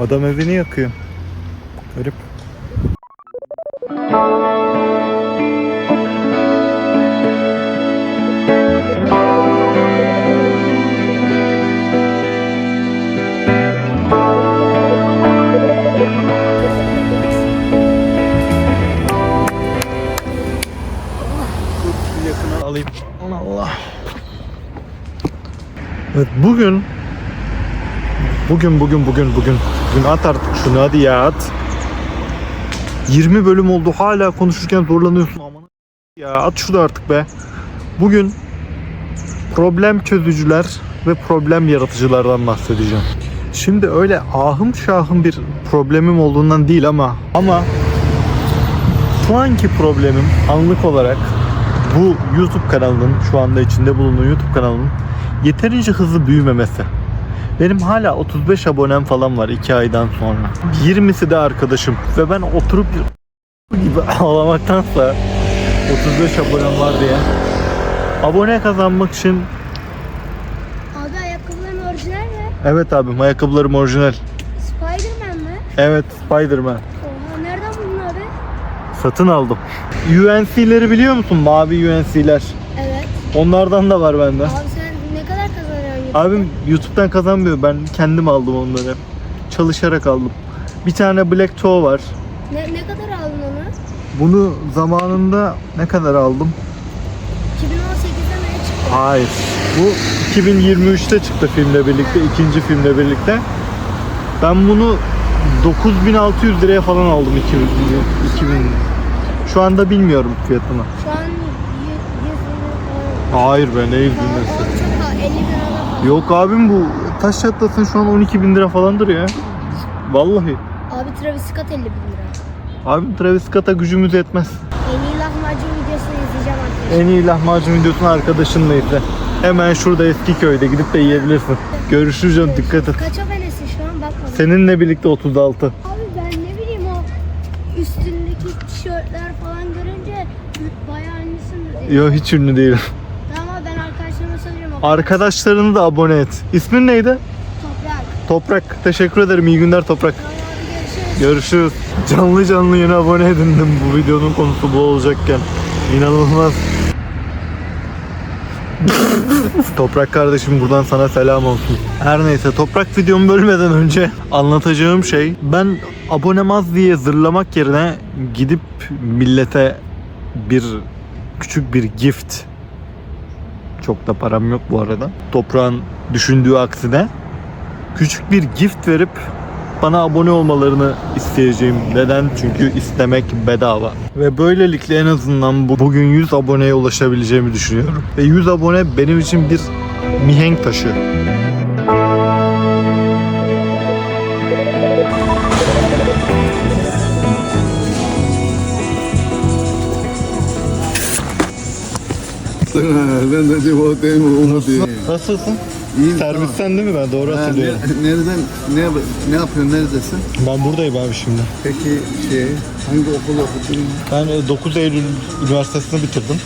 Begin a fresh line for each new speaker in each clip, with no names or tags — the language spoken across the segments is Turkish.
Adam evini yakıyor. Garip. Yakına alayım. Allah. Evet bugün at artık şunu, hadi ya at. 20 bölüm oldu, hala konuşurken zorlanıyorsun aman ya, at şunu artık be. Bugün problem çözücüler ve problem yaratıcılardan bahsedeceğim. Şimdi öyle ahım şahım bir problemim olduğundan değil ama şu anki problemim anlık olarak bu YouTube kanalının, şu anda içinde bulunduğu YouTube kanalının yeterince hızlı büyümemesi. Benim hala 35 abonem falan var 2 aydan sonra. 20'si de arkadaşım ve ben oturup gibi ağlamaktansa 35 abonem var diye abone kazanmak için.
Abi ayakkabıların orijinal mi?
Evet abim, ayakkabılarım orijinal.
Spiderman mi?
Evet, Spiderman.
Oha, nereden buldun abi?
Satın aldım. UNC'leri biliyor musun? Mavi UNC'ler.
Evet.
Onlardan da var bende.
Abi sen ne kadar kazanıyorsun YouTube'da?
Abim YouTube'dan kazanmıyor. Ben kendim aldım onları. Çalışarak aldım. Bir tane Black Toe var.
Ne kadar aldın onu?
Bunu zamanında ne kadar aldım?
2018'de mi çıktı?
Hayır. Bu 2023'te çıktı filmle birlikte. İkinci filmle birlikte. Ben bunu 9600 liraya falan aldım 2000. Şu anda bilmiyorum fiyatını.
Şu an 100 bin falan.
Hayır be, ne 100 bin
O
lirası.
çok pahalı, 50 bin falan.
Yok abim, bu taş çatlasın şu an 12 bin lira falandır ya. Vallahi.
Abi Travis Scott 50 bin lira.
Abim Travis Scott'a gücümüz yetmez.
En iyi lahmacun videosunu izleyeceğim arkadaşlar.
En iyi lahmacun videosunu arkadaşınla izle. Hemen şurada Eskiköy'de gidip de yiyebilirsin. Görüşürüz canım, dikkat et.
Kaç abonesi şu an bakmadım.
Seninle birlikte 36.
Abi ben ne bileyim, o üstündeki tişörtler falan görünce bayağı ünlüsün dedi.
Yok, hiç ünlü değilim.
Tamam abi, ben arkadaşlarıma söyleyeceğim.
Arkadaşlarını da abone et. İsmin neydi?
Toprak.
Toprak. Teşekkür ederim. İyi günler Toprak.
Tamam abi, görüşürüz.
Görüşürüz. Canlı yeni abone edindim, bu videonun konusu bu olacakken. İnanılmaz. Toprak kardeşim, buradan sana selam olsun. Her neyse, Toprak videomu bölmeden önce anlatacağım şey, ben abonem az diye zırlamak yerine gidip millete küçük bir gift, çok da param yok bu arada, Toprağın düşündüğü aksine küçük bir gift verip bana abone olmalarını isteyeceğim. Neden? Çünkü istemek bedava. Ve böylelikle en azından bugün 100 aboneye ulaşabileceğimi düşünüyorum. Ve 100 abone benim için bir mihenk taşı.
Ben de cevaptayım Umut'u.
Nasılsın?
İyiyim.
Servisten değil mi ben? Doğru hatırlıyorum.
Nereden, ne yapıyorsun, neredesin?
Ben buradayım abi şimdi.
Peki hangi okul okudun?
Ben 9 Eylül Üniversitesi'ni bitirdim.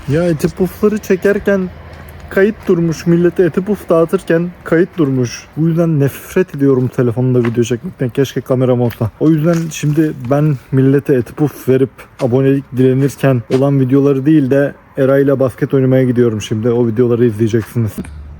Ya eti pufları çekerken kayıt durmuş. Millete eti puf dağıtırken kayıt durmuş. Bu yüzden nefret ediyorum telefonda video çekmekten. Keşke kameram olsa. O yüzden şimdi ben millete eti puf verip abonelik dilenirken olan videoları değil de Eray'la basket oynamaya gidiyorum şimdi. O videoları izleyeceksiniz.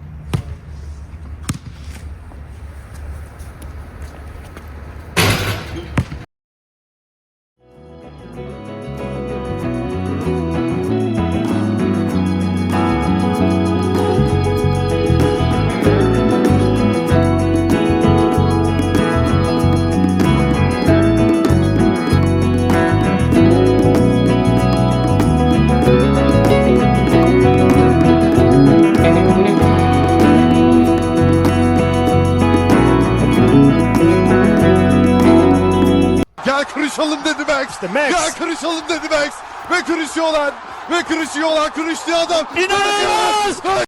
Gel kırışalım dedi Max. Gel kırışalım dedi Max. Ve kırışıyorlar. Kırıştığı adam. İnanılmaz.